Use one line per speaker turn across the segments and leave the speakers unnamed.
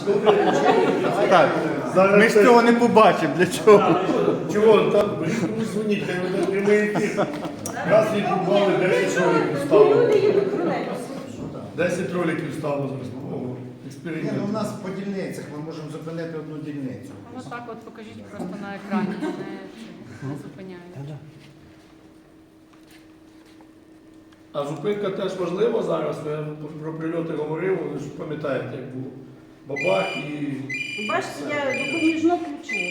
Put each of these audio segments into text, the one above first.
Так, ми ж цього не побачимо, для чого?
Чого? Там комусь дзвоніть, хай веде прямий ефір. Раз відбували 10 роликів стало.
Люди їдуть тролейбусом.
10 роликів стало зараз. О,
Ні,
експеримент.
ну, у нас по дільницях ми можемо зупинити одну дільницю.
Ну так от покажіть просто на екрані, не зупиняють.
А зупинка теж важлива зараз. Я про прильоти говорив, ви ж пам'ятаєте, як було. Бабах і...
Бачите, я допоміжно включила.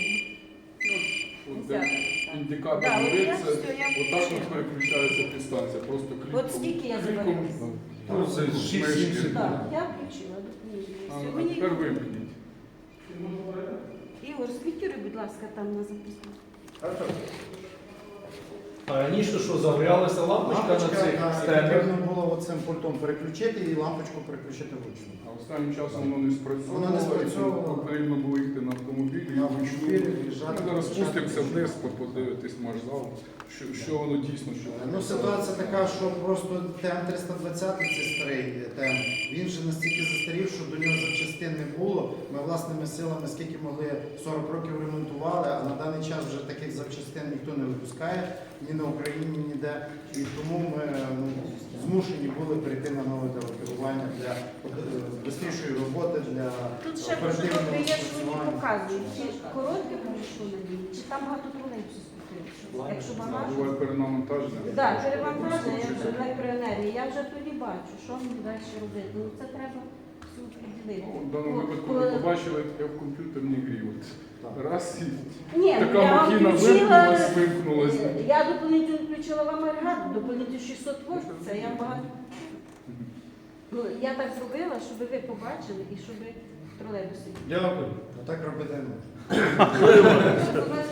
Індикатор
Да, от
горить,
я
це
все, я
отак от переключається підстанція, просто кліком.
От скільки я
кліком,
забираю?
Ну, це 6-7 секунд.
Так, я включила допоміжно.
А
Сьогодні
тепер вимкніть.
Ігор, сквітюри, будь ласка, там на записку.
А раніше що, загорялася лампочка на цих стендах?
Потрібно було оцим пультом переключити і лампочку переключити вручну.
А останнім часом воно не спрацьовувало,
Воно не спрацьовувало.
і тому потрібно було йти на автомобілі.
На
і вручну.
автомобілі виїжджати,
Ми зараз
включати,
спустимося
включати.
вниз, подивитись марш-зал, що воно дійсно, що воно.
Ну, ситуація така, що просто ТМ-320, це старий ТМ, він же настільки застарів, що до нього запчастин не було. Ми власними силами, скільки могли, 40 років ремонтували, а на даний час вже таких запчастин ніхто не випускає, ні на Україні, ніде. І тому ми змушені були перейти на нове керування для швидшої роботи, для
Тут ще дуже
оперативного
добре є, що вони
спрацювання.
показують, чи коротке пройшло на ній, чи там багато тролейбусів скупилося. Якщо багато.
Буває перенавантаження.
Так, перевантаження, я вже електроенергія, я вже тоді бачу, що мені далі робити. Ну це треба все приділити.
Ну, в даному випадку ви побачили, як в комп'ютерній грі. От раз і
Ні,
така
я вам
махіна
включила,
вимкнулась.
я дополнительно включила вам агрегат, дополнительно 600 вольт, це я багато. Ну, я так зробила, щоб ви побачили і щоб тролейбуси.
Дякую.
Ну, так робити не можна.
Щоб ви